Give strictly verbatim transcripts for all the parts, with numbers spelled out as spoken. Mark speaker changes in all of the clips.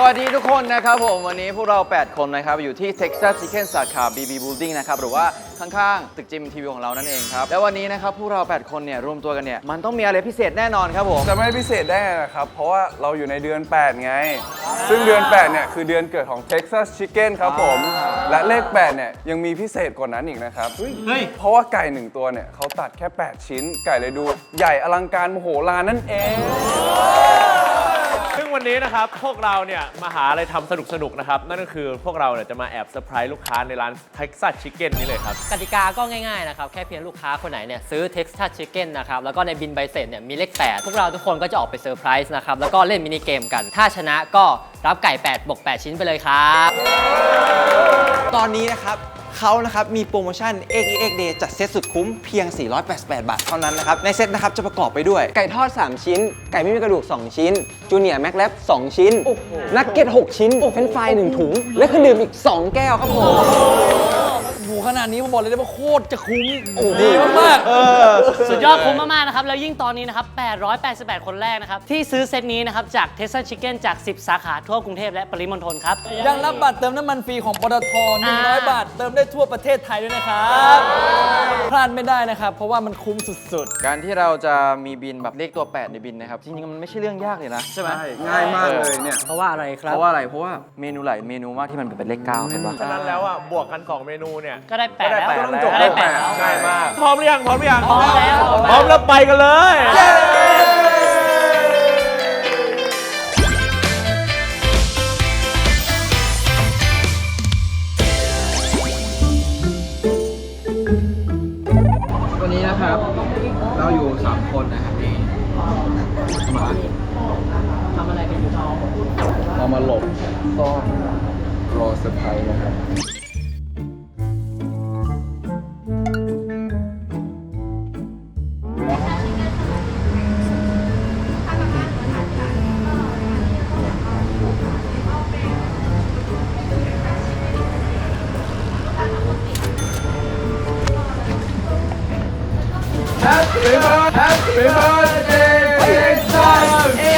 Speaker 1: วัสดีทุกคนนะครับผมวันนี้พวกเราแปดคนนะครับอยู่ที่ Texas Chicken สาขา บี บี Building นะครับหรือว่าข้างๆตึกจิมทีวีของเรานั่นเองครับแล้ววันนี้นะครับพวกเราแปดคนเนี่ยรวมตัวกันเนี่ยมันต้องมีอะไรพิเศษแน่นอนครับผม
Speaker 2: จะไม่พิเศษได้ไงนะครับเพราะว่าเราอยู่ในเดือนแปดไงซึ่งเดือนแปดเนี่ยคือเดือนเกิดของ Texas Chicken ครับผมและเลขแปดเนี่ยยังมีพิเศษกว่านั้นอีกนะครับเพราะว่าไก่หนึ่งตัวเนี่ยเขาตัดแค่แปดชิ้นไก่เลยดูใหญ่อลังการมโหฬารนั่นเอง
Speaker 3: ซึ่งวันนี้นะครับพวกเราเนี่ยมาหาอะไรทำสนุกๆนะครับนั่นก็คือพวกเราเนี่ยจะมาแอบเซอร์ไพรส์ลูกค้าในร้าน Texas Chicken นี้เลยครับ
Speaker 4: กติกาก็ง่ายๆนะครับแค่เพียงลูกค้าคนไหนเนี่ยซื้อ Texas Chicken นะครับแล้วก็ในบินใบเสร็จเนี่ยมีเลขแปดพวกเราทุกคนก็จะออกไปเซอร์ไพรส์นะครับแล้วก็เล่นมินิเกมกันถ้าชนะก็รับไก่แปดบวกแปดชิ้นไปเลยครับ
Speaker 5: ตอนนี้นะครับเขานะครับมีโปรโมชั่น เอ็กซ์ อี เอ็กซ์ Day จัดเซตสุดคุ้มเพียงสี่ร้อยแปดสิบแปดบาทเท่านั้นนะครับในเซตนะครับจะประกอบไปด้วยไก่ทอดสามชิ้นไก่ไม่มีกระดูกสองชิ้นจูเนียร์แม็กแลบสองชิ้นนักเก็ตหกชิ้นเฟรนช์ฟรายหนึ่งถุงและเครื่องดื่มอีกสองแก้วครับผม
Speaker 6: โอ้ขนาดนี้ผมบอกเลยได้ว่าโคตรจะคุ้มดีมาก
Speaker 4: สุดยอดคุ้มมากๆนะครับแล้วยิ่งตอนนี้นะครับแปดร้อยแปดสิบแปดคนแรกนะครับที่ซื้อเซตนี้นะครับจาก Texas Chicken จากสิบสาขาทั่วกรุงเทพและปริมณฑลครับ
Speaker 6: ยังรับบัตรเติมน้ำมันฟรีของปตทหนึ่งร้อยบาทเติมได้ทั่วประเทศไทยด้วยนะครับพลาดไม่ได้นะครับเพราะว่ามันคุ้มสุด
Speaker 1: ๆการที่เราจะมีบินแบบเลขตัวแปดในบินนะครับจริงๆมันไม่ใช่เรื่องยากเลยนะใช่ไหม
Speaker 2: ง่ายมากเลยเนี่ย
Speaker 4: เพราะว่าอะไรครับ
Speaker 1: เพราะว่าอะไรเพราะว่าเมนูหลายเมนูมากที่มันเป็นเลขเก้าเห็นปะ
Speaker 3: ฉะนั้นแล้วอ่ะบวกกันสองเมนูเนี่ย
Speaker 4: ก็ได้แปดแล้ว
Speaker 3: ก็ได้แปดแล้วง่ายมากพร้อมหรือยังพร้อมหรือยัง
Speaker 4: พร้อมแล้ว
Speaker 3: พร้อมแล้วไปกันเลย
Speaker 1: วันนี้นะครับเราอยู่สามคนนะครับนี่มา
Speaker 4: ทำอะไรกันอยู่น้อง
Speaker 1: เรามาหลบซ่อนรอเซอร์ไพรส์นะครับ
Speaker 2: Happy birthday Texas เ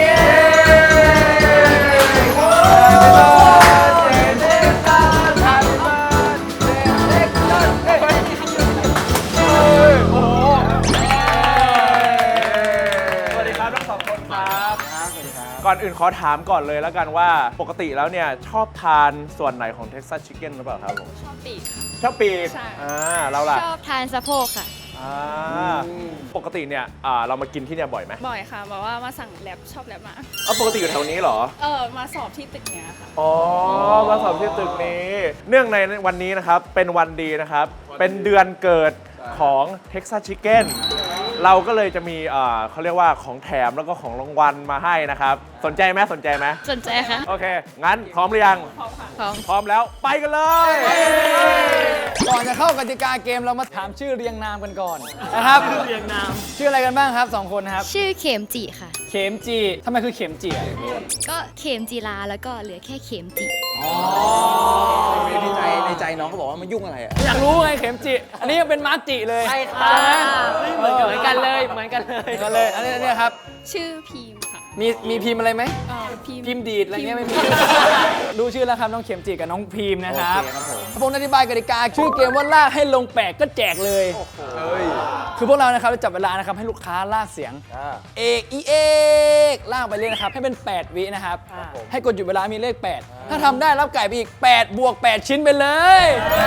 Speaker 3: ก่อนอื่นขอถามก่อนเลยแล้วกันว่าปกติแล้วเนี่ยชอบทานส่วนไหนของ Texas Chicken หรือเปล่าครับผม
Speaker 7: ชอบปีก
Speaker 3: ชอบปีก
Speaker 7: ใช่
Speaker 3: อ่าเราล่ะ
Speaker 7: ชอบทานสะโพกค่ะ
Speaker 3: อ่าปกติเนี่ยเรามากินที่เนี่ยบ่อยไหม
Speaker 7: บ่อยค่ะบอกว่ามาสั่งแลบชอบแลบมา
Speaker 3: อ๋อปกติอยู่แถวนี้เหรอ
Speaker 7: เออมาสอบที่ตึกเนี้ยค่ะ
Speaker 3: อ๋อมาสอบที่ตึกนี้เนื่องในวันนี้นะครับเป็นวันดีนะครับเป็นเดือนเกิดของ Texas Chicken เราก็เลยจะมีเขาเรียกว่าของแถมแล้วก็ของรางวัลมาให้นะครับสนใจไหมสนใจไหม
Speaker 7: สนใจค่ะ
Speaker 3: โอเคงั้นพร้อมหรือยัง
Speaker 7: พร้อมค่ะพร้อม
Speaker 3: พร้อมแล้วไปกันเลย
Speaker 6: ก่อนจะเข้ากติกาเกมเรามาถามชื่อเรียงนามกันก่อนนะครับ
Speaker 4: ชื่อเรียงนาม
Speaker 6: ชื่ออะไรกันบ้างครับสองคนครับ
Speaker 7: ชื่อเข็มจีค่ะ
Speaker 6: เข็มจีทำไมคือเข็มจี
Speaker 7: ก็เข็มจีราแล้วก็เหลือแค่เข็มจี
Speaker 6: อ๋อ
Speaker 5: ในใจในใจน้องเขาบอกว่ามันยุ่งอะไรอ่ะ
Speaker 6: อยากรู้ไงเข็มจีอันนี้เป็นมาร์จิเลย
Speaker 4: ใช่ค่ะเหมือนกันเลยเหมือนกันเลย
Speaker 6: กันเลยอันนี้อันนี้ครับ
Speaker 7: ชื่อพิมค่ะ
Speaker 6: มีมีพิมพ์อะไรไหม
Speaker 7: พิมพ์
Speaker 6: พิมพ์ดีดอะไรเงี้ยไม่มีดูชื่อแล้วครับน้องเข็มจีกับน้องพิมพ์นะครับผมอธิบายกติกาชื่อเกมว่าลากให้ลงแปดก็แจกเลยคือพวกเรานะครับจะจับเวลานะครับให้ลูกค้าลากเสียงเอกอีเอกลากไปเลยนะครับให้เป็นแปดวินะครับให้กดหยุดเวลามีเลขแปดถ้าทำได้รับไก่ไปอีกแปดบวกแปดชิ้นไปเลย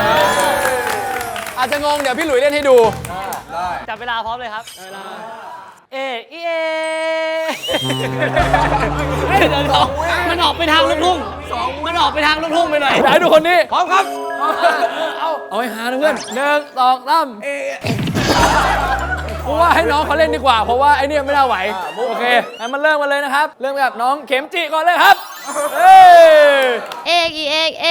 Speaker 6: อาจจะงงเดี๋ยวพี่หลุยเล่นให้ดู
Speaker 4: จับเวลาพร้อมเลยครับเอเอเอเดินออกมันออกไปทางลูกทุ่งมันออกไปทางลูกทุ่งไปหน่อย
Speaker 6: ไหนดูคนนี้พร้อมครับเอาเอาให้หาเพื่อนหนึ่งสองสามเพราะว่าให้น้องเขาเล่นดีกว่าเพราะว่าไอ้นี่ไม่น่าไหวโอเคงั้นมันเริ่มกันเลยนะครับเริ่มกับน้องเข็มจิก่อนเลยครับ
Speaker 7: เอกอีเอกเอ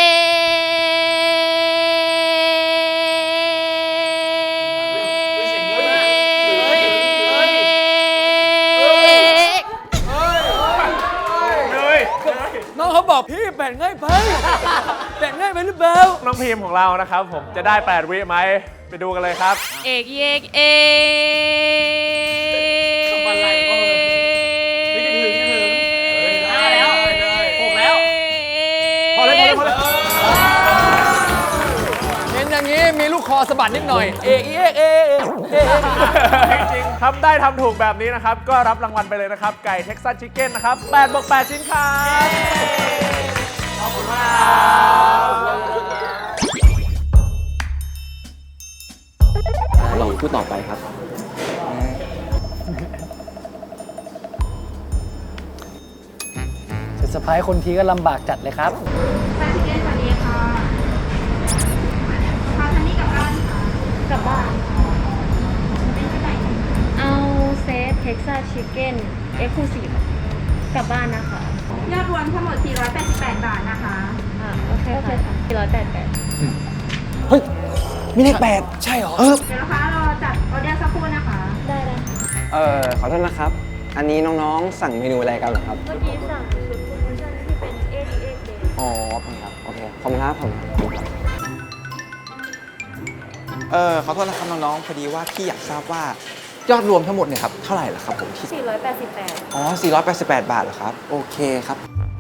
Speaker 6: น้องเขาบอกพี่แบ่งง่ายไปแบ่งง่ายไปหรือเปล่า
Speaker 3: น้องพีมของเรานะครับผมจะได้แปดวิไหมไปดูกันเลยครับ
Speaker 7: เอกเอกเอ
Speaker 4: ทำอะไรก็เลยนี่ถึงนี่ถึงได้แล้วหกแล้ว
Speaker 6: มีลูกคอสะบัดนิดหน่อย เอกอีเอกเอกเอกเอก
Speaker 3: จริงๆทำได้ทำถูกแบบนี้นะครับ ก็รับรางวัลไปเลยนะครับ ไก่เท็กซัสชิคเก้นนะครับแปดบวกแปดชิ้นครับขอบคุณมาก
Speaker 5: ลองพูดต่อไปครับ
Speaker 6: จะสะพายคนทีก็ลำบากจัดเลยครับ
Speaker 8: สวัสดีค่ะพาทันนี่กลับบ้านค่ะ กลับบ้าน
Speaker 7: เอาเซตเท็กซัสชิคเก้นเอ็กซ์คลูซีฟกลับบ้านนะคะ
Speaker 8: ยอดรวมทั้งหมด สี่ร้อยแปดสิบแปด บาทนะคะ
Speaker 7: อ่าโอเคค่ะสี่ร้อยแปดแปด
Speaker 5: เฮ้ย มีเลขแปดใช่เหรอ เออ
Speaker 8: เดี๋ยวนะคะรอจัดออเดอร์สักครู่นะคะ
Speaker 7: ได้ได้
Speaker 5: เออขอโทษนะครับ อันนี้น้องๆ สั่งเมนูอะไรกันเหรอครับ
Speaker 7: เมื่อกี้สั่งชุดโปรโมชั่นที่เป็นเอ็กซ์เอ็กซ์เดย์
Speaker 5: อ๋อขอบคุณครับ โอเค ขอบคุณครับขอบคุณครับ เออขอโทษนะครับน้องๆ พอดีว่าพี่อยากทราบว่ายอดรวมทั้งหมดเนี่ยครับ เท่าไหร่ล่ะครับผมที่
Speaker 7: สี่ร้อยแปดสิบแปด
Speaker 5: อ๋อ สี่ร้อยแปดสิบแปด บาทเหรอครับ โอเคครับ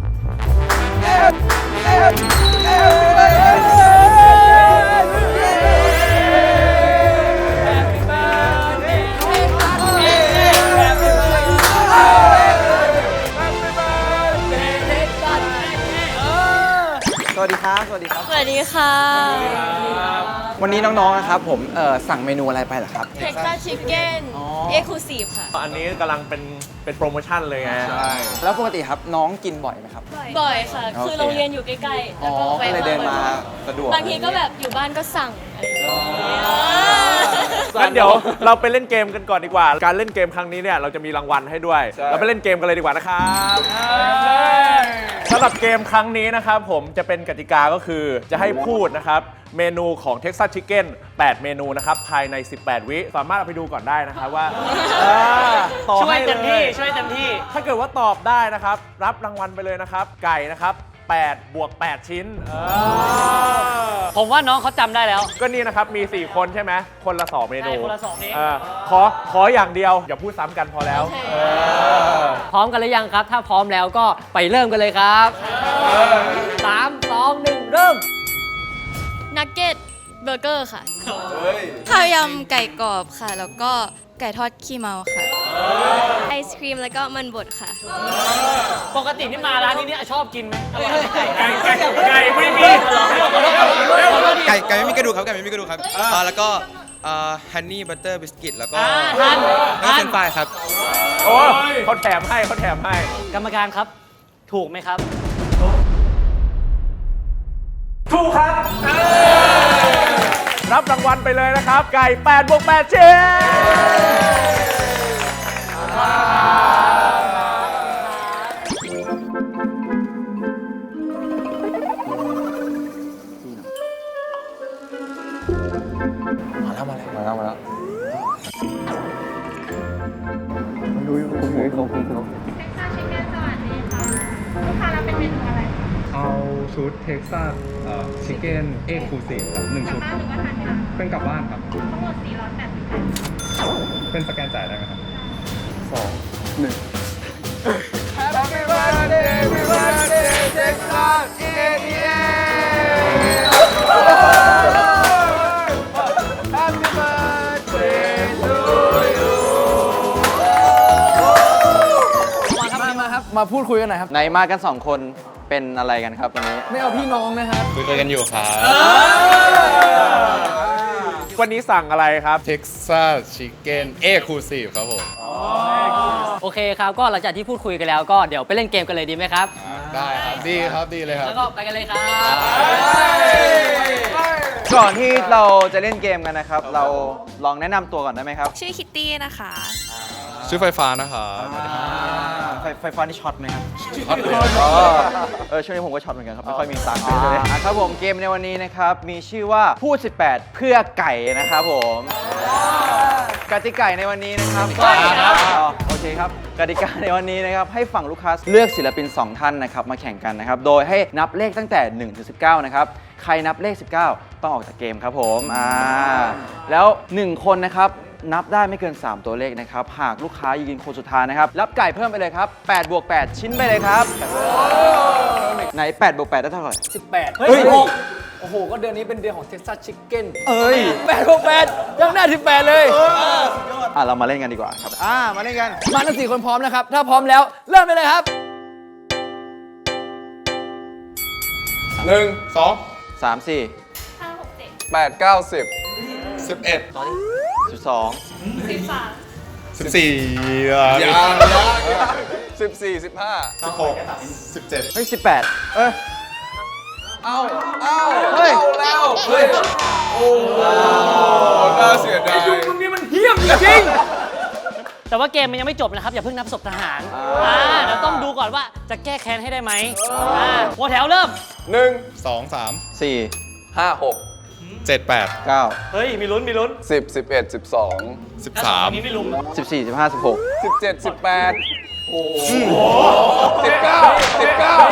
Speaker 5: สวัสดีครับ สวัสดีครับ
Speaker 7: สวัสดีค่ะ
Speaker 5: วันนี้น้องๆ นะครับผม เอ่อ สั่งเมนูอะไรไปเหรอครับ
Speaker 7: เท็กซัสชิคเก้นเอ็กซ์คลูซีฟค่ะ
Speaker 3: อันนี้กำลังเป็นเป็นโปรโมชั่นเลยไง
Speaker 5: แล้วปกติครับน้องกินบ่อยไหมครับ
Speaker 7: บ่อยค่ะ
Speaker 5: โอเค
Speaker 7: คือโรงเรียนอยู่ใกล้ๆ
Speaker 5: อ๋
Speaker 7: แล้ว
Speaker 5: อ
Speaker 7: ก็
Speaker 5: ก็เลยเดินมาสะดวก
Speaker 7: บางทีก็แบบอยู่บ้านก็สั่งอะไรอย่างเงี้ย
Speaker 3: งั้นเดี๋ยวเราไปเล่นเกมกันก่อนดีกว่า การเล่นเกมครั้งนี้เนี่ยเราจะมีรางวัลให้ด้วย เราไปเล่นเกมกันเลยดีกว่านะครับสำหรับเกมครั้งนี้นะครับผมจะเป็นกติกาก็คือจะให้พูดนะครับเมนูของ Texas Chicken แปด เมนูนะครับภายใน สิบแปด วิสามารถเอาไปดูก่อนได้นะครับว่าเออต่อ
Speaker 4: ช่วย
Speaker 3: ให้
Speaker 4: เต็มที่
Speaker 3: ล
Speaker 4: ช่วยเต็มที่
Speaker 3: ถ้าเกิดว่าตอบได้นะครับ รับรางวัลไปเลยนะครับ ไก่นะครับแปดบวกแปดชิ้นเออ
Speaker 4: ผมว่าน้องเขาจำได้แล้ว
Speaker 3: ก็นี่นะครับ มี สี่ คนใช่ไหม คนละ สอง เมนู
Speaker 4: ใช่คนละสองนี้
Speaker 3: เออขอ ขออย่างเดียว อย่าพูดซ้ำกันพอแล้ว
Speaker 7: โอเค
Speaker 3: เออ
Speaker 4: พร้อมกันหรือยังครับ ถ้าพร้อมแล้วก็ไปเริ่มกันเลยครับสาม สอง หนึ่ง เริ่ม
Speaker 7: นักเก็ตเบอร์เกอร์ค่ะข้าวยำไก่กรอบค่ะ แล้วก็ไก่ทอดขี้เมาค่ะ ไอศครีมแล้วก็มันบดค่ะ
Speaker 4: ปกตินี่มาร้านนี้เนี่ยชอบกินไหมไก่
Speaker 3: ไก่ไก่ไก่ไม่มี
Speaker 9: ไก่ไก่ไม่มีกระดูกครับไก่ไม่มีกระดูกครับอ่าแล้วก็ฮันนี่บัตเตอร์บิสกิตแล้วก็
Speaker 4: อ่าทัน
Speaker 9: แล้วก็
Speaker 4: ทั
Speaker 9: เฟร
Speaker 4: น
Speaker 9: นช์ฟรายครับ
Speaker 3: โอ้ยเขาแถมให้เขาแถมให้
Speaker 4: กรรมการครับ ถูกไหมครับ
Speaker 3: ถูกครับ รับรางวัลไปเลยนะครับ ไก่แปดบวกแปดชิ้น
Speaker 5: มาแล้ว มาแล้ว มาแล้ว มาแล้ว
Speaker 8: เท็กซัสชิคเก้นสวัสดีค่ะ ลูกค้ารับเป็นเมนูอะไรคะ
Speaker 2: เอาชุดเท็กซัสชิคเก้นเอ็กซ์คลูซีฟครับหนึ่ง
Speaker 8: กลั
Speaker 2: ชุ
Speaker 8: บ
Speaker 2: ด
Speaker 8: บ้านหรือว่าทานที่ร้าน
Speaker 2: เป็นกลับบ้านครับ
Speaker 8: ทั้งหมด สี่ร้อยแปดสิบแปด
Speaker 2: เป็นสแกนจ่ายได้ไหมครับ
Speaker 6: มามาครับ มาพูดคุยกันหน่อยครับ
Speaker 1: ไหนมากันสองคนเป็นอะไรกันครับวันนี้
Speaker 6: ไม่เอาพี่น้องนะครับ
Speaker 9: คุยกันอยู่ครับ
Speaker 3: วันนี้สั่งอะไรครับ
Speaker 9: Texas Chicken Exclusive ครับผม
Speaker 4: โอเคครับ ก็หลังจากที่พูดคุยกันแล้วก็เดี๋ยวไปเล่นเกมกันเลยดีไหมครับ
Speaker 9: ได้ครับ ดีครับ ดีเลยครับ
Speaker 4: แล้วก็ไปกันเลยครับ
Speaker 1: ก่อนที่เราจะเล่นเกมกันนะครับ เราลองแนะนำตัวก่อนได้ไหมครับ
Speaker 7: ชื่อคิตตี้นะคะ
Speaker 9: ชื่อไฟฟ้านะครับ
Speaker 1: ไฟไฟฟ้านี่ช็อตไหมครับช็อตเลยอ๋อเออช่วงนี้ผมก็ช็อตเหมือนกันครับ ไม่ค่อยมีตังค์เลยอ่าครับผมเกมในวันนี้นะครับ มีชื่อว่าพูด สิบแปด เพื่อไก่นะครับผมกติกาในวันนี้นะครับอ๋อโอเคครับกติกาในวันนี้นะครับให้ฝั่งลูกค้าเลือกศิลปินสองท่านนะครับมาแข่งกันนะครับ โดยให้นับเลขตั้งแต่หนึ่งถึงสิบเก้านะครับใครนับเลขสิบเก้าต้องออกจากเกมครับผมอ่าแล้วหนึ่งคนนะครับนับได้ไม่เกิน สาม ตัวเลขนะครับ หากลูกค้ายืนคนสุดท้ายนะครับ รับไก่เพิ่มไปเลยครับแปดบวกแปดชิ้นไปเลยครับไหนแปดบวกแปดได้เท่าไหร่
Speaker 6: สิบแปด
Speaker 1: เฮ้ย
Speaker 6: โอ้โห ก็เดือนนี้เป็นเดือนของ Texas Chicken
Speaker 1: เอ้ย
Speaker 6: แปดบวกแปดยังได้ที่แปดเลย
Speaker 1: อ่ะเรามาเล่นกันดีกว่าครับอ่ามาเล่นกัน
Speaker 6: มาทั้งสี่คนพร้อมนะครับ ถ้าพร้อมแล้วเริ่มไปเลยครับ
Speaker 2: หนึ่งสอง
Speaker 1: สามสี่
Speaker 8: ห้าหกเจ็ด
Speaker 2: แปดเก้าสิบสิบเอ็ด
Speaker 1: สิบสอง
Speaker 8: สิบสาม
Speaker 2: สิบสี่สิบสี่สิบห้าสิบหกสิบเจ็ด
Speaker 1: เฮ้ยสิบแปดเอ้ย
Speaker 2: เอาเอา
Speaker 1: เฮ้ย
Speaker 2: เอาแล้วเฮ้ยโอ้น่าเสียดาย
Speaker 6: มึงนี่มันเหี้ยมจริง
Speaker 10: แต่ว่าเกมมันยังไม่จบนะครับ อย่าเพิ่งนับศพทหารอ่าเดี๋ยวต้องดูก่อนว่าจะแก้แค้นให้ได้ไหมอ่าหัวแถวเริ่ม
Speaker 2: หนึ่ง
Speaker 11: สองสาม
Speaker 1: สี่
Speaker 2: ห้าหก
Speaker 11: เจ็ดแปด
Speaker 1: เก้า
Speaker 10: เฮ้ย มีลุ้น มีลุ้น
Speaker 2: สิบสิบเอ็ดสิบสอง
Speaker 11: สิบสาม
Speaker 10: อันนี้ไม่ลุ้น
Speaker 1: สิบสี่สิบห้าสิบหก
Speaker 2: สิบเจ็ดสิบแปดโอ้โหสิบเก้าสิบเก้า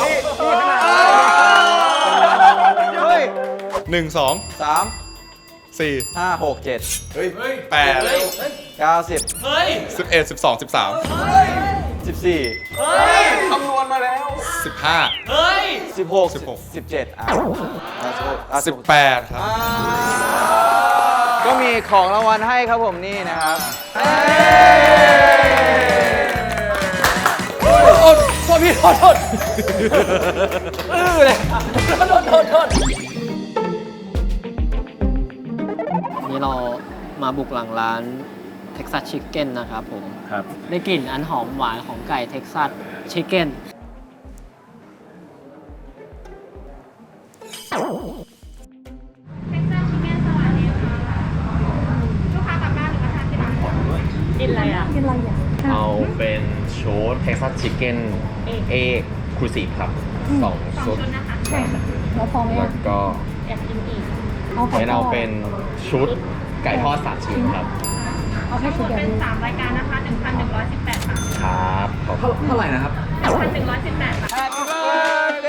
Speaker 1: เฮ้ย
Speaker 11: หนึ่งสอง
Speaker 1: สาม
Speaker 11: สี่
Speaker 1: ห้าหกเจ็ด
Speaker 11: แปด
Speaker 1: เก้าสิบ
Speaker 10: เฮ้ย
Speaker 11: สิบเอ็ดสิบสองสิบสาม
Speaker 1: สิบสี่
Speaker 2: คำนวณมาแล้ว
Speaker 11: สิบห้า
Speaker 10: เฮ้ย
Speaker 1: สิบหก
Speaker 11: สิบหก
Speaker 1: สิบเจ็ดอ่ะอ่ะสิบหกอ่ะ
Speaker 11: สิบแปดครับ
Speaker 1: ก็มีของรางวัลให้ครับผมนี่นะครับ
Speaker 6: ๆ โทษโทษพี่โทษโทษอื้อเลยโทษโทษโทษ
Speaker 4: นี่เรามาบุกหลังร้าน Texas Chicken นะครับผม
Speaker 3: ครับ
Speaker 4: ได้กลิ่นอันหอมหวานของไก่ Texas Chicken
Speaker 8: เท็กซัสชิคเก้นสวัสดีค่ะลูกค้ากลับบ้านหรือมาทานที่ร้านกินอะไรอ่ะกินอะไรอ่ะ
Speaker 12: เอาเป็นชุด Texas Chicken เอกครูซีฟครับสอง
Speaker 8: สอง
Speaker 12: ชุด
Speaker 8: ชุดนะคะ
Speaker 7: แล้วพอไหม
Speaker 12: แล้วก็
Speaker 8: อยากกินอีก
Speaker 12: ให้เราเป็นชุดไก่ทอดสามชิ้นครับ
Speaker 7: เอาแค่
Speaker 8: ทั้งห
Speaker 7: ชุ
Speaker 8: ม
Speaker 7: ด
Speaker 8: ด
Speaker 7: เดียว
Speaker 8: เป็นสามรายการนะคะหนึ่งพันหนึ่งร้อยสิบแปดบาท
Speaker 12: ครับขอบคุณ
Speaker 1: เท่าไหร่นะครับ
Speaker 8: หนึ่งพันหนึ่งร้อยสิบแปดบาท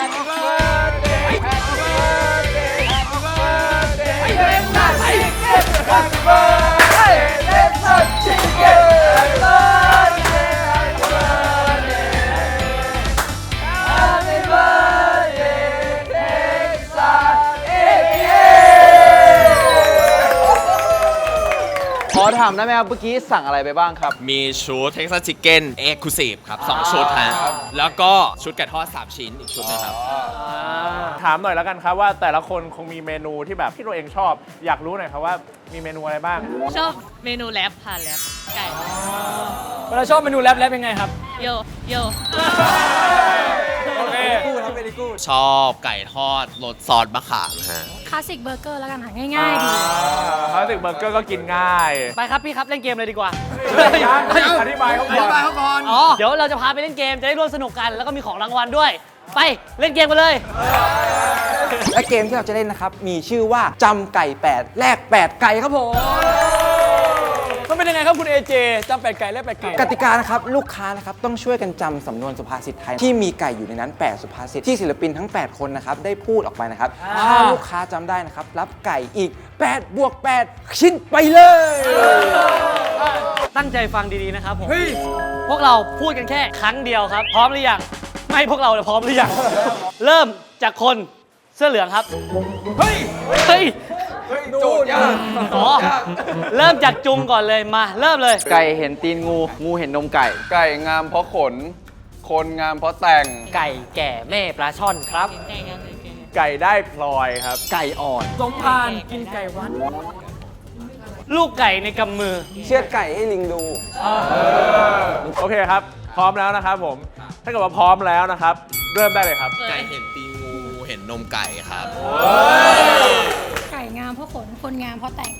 Speaker 1: ขอถามได้ไหมครับเมื่อกี้สั่งอะไรไปบ้างครับ
Speaker 12: มีชุด Texas Chicken Exclusive ครับสองชุดฮะแล้วก็ชุดไก่ทอดสามชิ้นอีกชุดนึงครับ
Speaker 3: ถามหน่อยแล้วกันครับว่าแต่ละคนคงมีเมนูที่แบบที่ตัวเองชอบ อยากรู้หน่อยครับว่ามีเมนูอะไรบ้าง
Speaker 7: ชอบเมนูแรปค่ะแรปไก่
Speaker 6: เวลาชอบเมนูแรปแรปยังไงครับ
Speaker 7: โยโย
Speaker 6: โอเค
Speaker 12: ชอบไก่ทอดรสซอสมะขามฮะ
Speaker 7: คลาสสิกเบอร์เกอร์แล้วกันค่ะง่ายๆดี
Speaker 3: คลาสสิกเบอร์เกอร์ก็กินง่าย
Speaker 10: ไปครับพี่ครับ เล่นเกมเลยดีกว่า
Speaker 3: อธิบายเขาก่อน
Speaker 10: อ๋อ เดี๋ยวเราจะพาไปเล่นเกม จะได้ร่วมสนุกกัน แล้วก็มีของรางวัลด้วย ไปเล่นเกมกันเลย
Speaker 5: และเกมที่เราจะเล่นนะครับ มีชื่อว่าจำไก่แปดแลกแปดไก่ครับผม
Speaker 6: มันเป็นยังไงครับคุณเอเจจำแปดไก่และแปดไก่
Speaker 5: กติกานะครับ ลูกค้านะครับต้องช่วยกันจำสำนวนสุภาษิตไทย ที่มีไก่อยู่ในนั้น แปด สุภาษิตที่ศิลปินทั้ง แปด คนนะครับ ได้พูดออกไปนะครับ ถ้าลูกค้าจำได้นะครับ รับไก่อีก แปด บวก แปด ชิ้นไปเลย
Speaker 10: ตั้งใจฟังดีๆนะครับผม พวกเราพูดกันแค่ครั้งเดียวครับ พร้อมหรือยัง ไม่พวกเราเลยพร้อมหรือยัง เริ่มจากคนเสื้อเหลืองครับ เฮ้ย เฮ้ย
Speaker 2: โจทย์ยาก
Speaker 10: อ๋อ เริ่มจากจุงก่อนเลย มา เริ่มเลย
Speaker 1: ไก่เห็นตีนงู งูเห็นนมไก่
Speaker 2: ไก่งามเพราะขน คนงามเพราะแต่ง
Speaker 10: ไก่แก่แม่ปลาช่อนครับ
Speaker 3: ไก่ได้พลอยครับ
Speaker 1: ไก่อ่อน
Speaker 6: สมพานกินไก่วัน
Speaker 10: ลูกไก่ในกำมือ
Speaker 5: เชือดไก่ให้ลิงดู
Speaker 3: โอเคครับ พร้อมแล้วนะครับผม ถ้าเกิดว่าพร้อมแล้วนะครับ เริ่มได้เลยครับ
Speaker 12: ไก่เห็นตีงูเห็นนมไก่ครับ
Speaker 7: ไก่งามเพราะขน คนงามเพราะแต่ง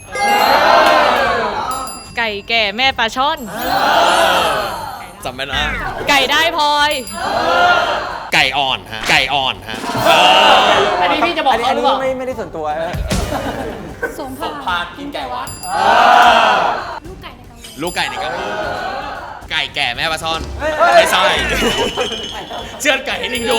Speaker 8: ไก่แก่แม่ปลาช่อน
Speaker 12: จำไม่ได้
Speaker 8: ไก่ได้พลอย
Speaker 12: ไก่อ่อนฮะ ไก่อ่อนฮะ
Speaker 10: อันนี้พี่จะบอก
Speaker 5: อันนี้
Speaker 10: เขา
Speaker 5: อัน
Speaker 10: หรือ
Speaker 5: นี้
Speaker 10: เปล่า
Speaker 5: ไม่ไม่ได้ส่วนตัวนะ
Speaker 7: สมพานกินไก่วัด ลูกไก่ในกำมือ
Speaker 12: ลูกไก่ในกระมือไก่แก่แม่ปลาช่อน ไม่ใช่ เชือดไก่ให้ลิงดู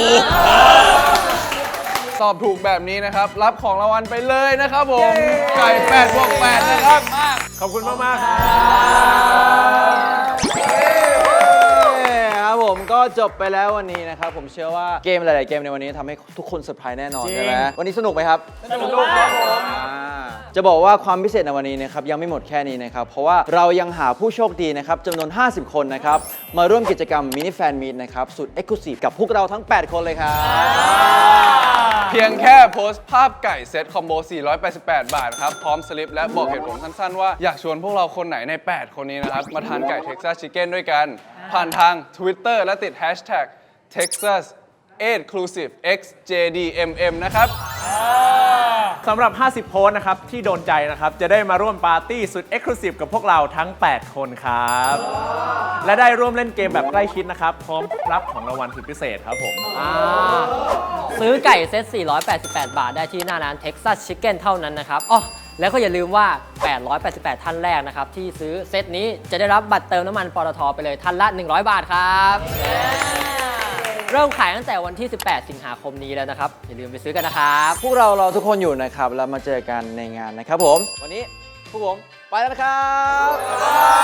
Speaker 2: ตอบถูกแบบนี้นะครับ รับของรางวัลไปเลยนะครับผม ไก่แปดบวกแปดนะครับ
Speaker 3: ขอบคุณมาก ๆ ครับ
Speaker 1: ครับผมก็จบไปแล้ววันนี้นะครับผมเชื่อว่าเกมหลาย ๆ เกมในวันนี้ทำให้ทุกคนเซอร์ไพรส์แน่นอนใช่ไหมวันนี้สนุกไหมครับสนุกครับผมจะบอกว่าความพิเศษในวันนี้นะครับยังไม่หมดแค่นี้นะครับเพราะว่าเรายังหาผู้โชคดีนะครับจำนวน ห้าสิบ คนนะครับมาร่วมกิจกรรมมินิแฟนมีตนะครับสุดเอ็กซ์คลูซีฟกับพวกเราทั้ง แปด คนเลยครับ
Speaker 2: เพียงแค่โพสต์ภาพไก่เซตคอมโบ สี่ร้อยแปดสิบแปด บาทครับ พร้อมสลิปและบอกเหตุผลสั้นๆว่าอยากชวนพวกเราคนไหนใน แปด คนนี้นะครับ มาทานไก่ Texas Chicken ด้วยกัน ผ่านทาง Twitter และติด Hashtag Texas Exclusive เอ็กซ์ เจ ดี เอ็ม เอ็ม นะครับ
Speaker 3: สำหรับ ห้าสิบ โพสต์นะครับที่โดนใจนะครับจะได้มาร่วมปาร์ตี้สุด Exclusive กับพวกเราทั้ง แปด คนครับ และได้ร่วมเล่นเกมแบบใกล้ชิดนะครับพร้อมรับของรางวัลสุดพิเศษครับผม
Speaker 4: อ่าซื้อไก่เซต สี่ร้อยแปดสิบแปด บาทได้ที่หน้าร้าน Texas Chicken เท่านั้นนะครับอ๋อแล้วก็อย่าลืมว่า แปดร้อยแปดสิบแปด ท่านแรกนะครับที่ซื้อเซตนี้จะได้รับบัตรเติมน้ำมันปตทไปเลยท่านละ หนึ่งร้อย บาทครับเริ่มขายตั้งแต่วันที่ สิบแปด สิงหาคมนี้แล้วนะครับอย่าลืมไปซื้อกันนะครับ
Speaker 1: พวกเรารอทุกคนอยู่นะครับแล้วมาเจอกันในงานนะครับผมวันนี้พวกผมไปแล้วนะครับ